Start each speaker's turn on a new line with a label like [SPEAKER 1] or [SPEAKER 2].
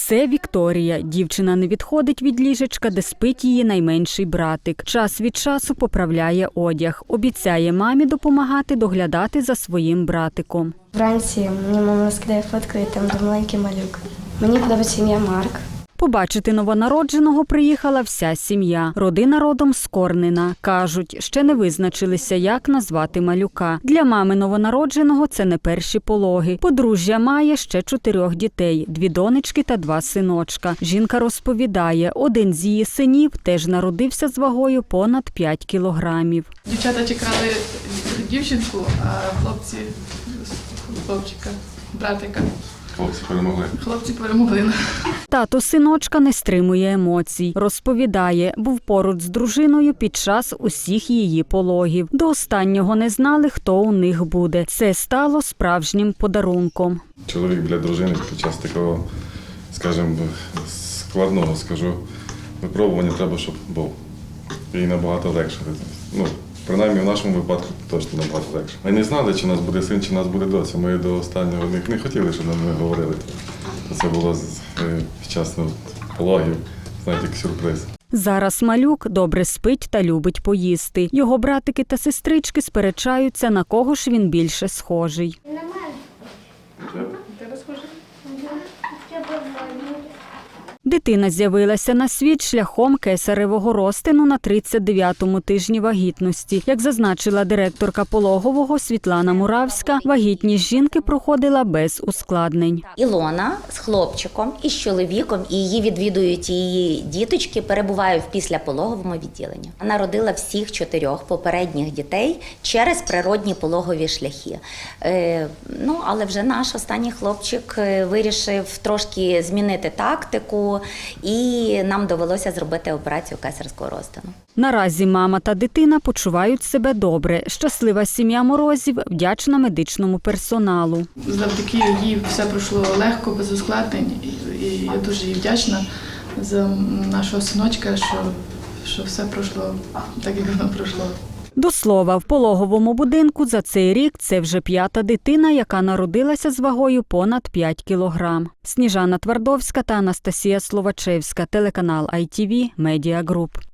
[SPEAKER 1] Це Вікторія. Дівчина не відходить від ліжечка, де спить її найменший братик. Час від часу поправляє одяг. Обіцяє мамі допомагати доглядати за своїм братиком.
[SPEAKER 2] Вранці мені мама скидає фотку, і там де маленький малюк. Мені подобається ім'я Марк.
[SPEAKER 1] Побачити новонародженого приїхала вся сім'я. Родина родом з Корнина. Кажуть, ще не визначилися, як назвати малюка. Для мами новонародженого це не перші пологи. Подружжя має ще 4 дітей – 2 донечки та 2 синочка. Жінка розповідає, один з її синів теж народився з вагою понад 5 кілограмів.
[SPEAKER 3] Дівчата чекали дівчинку, а хлопці – хлопчика, братика. Хлопці перемогли.
[SPEAKER 1] Тато синочка не стримує емоцій. Розповідає, був поруч з дружиною під час усіх її пологів. До останнього не знали, хто у них буде. Це стало справжнім подарунком.
[SPEAKER 4] Чоловік для дружини під час такого, скажімо, складного, випробування треба, щоб був. І набагато легше. Принаймні в нашому випадку точно набагато легше. Ми не знали, чи у нас буде син, чи у нас буде доця. Ми до останнього не хотіли, щоб нам говорили. Це було під час пологів, знаєте, як сюрприз.
[SPEAKER 1] Зараз малюк добре спить та любить поїсти. Його братики та сестрички сперечаються, на кого ж він більше схожий. Дитина з'явилася на світ шляхом кесаревого розтину на 39-му тижні вагітності. Як зазначила директорка пологового Світлана Муравська, вагітність жінки проходила без ускладнень.
[SPEAKER 5] Ілона з хлопчиком і з чоловіком, і її відвідують її діточки, перебуває в післяпологовому відділенні. Вона родила всіх 4 попередніх дітей через природні пологові шляхи. Але вже наш останній хлопчик вирішив трошки змінити тактику, і нам довелося зробити операцію кесарського розтину.
[SPEAKER 1] Наразі мама та дитина почувають себе добре. Щаслива сім'я Морозів вдячна медичному персоналу.
[SPEAKER 3] Завдяки їй все пройшло легко, без ускладнень. І я дуже їй вдячна за нашого синочка, що все пройшло так, як воно пройшло.
[SPEAKER 1] До слова, в пологовому будинку за цей рік це вже 5-та дитина, яка народилася з вагою понад 5 кілограм. Сніжана Твардовська та Анастасія Словачевська, телеканал ITV Media Group.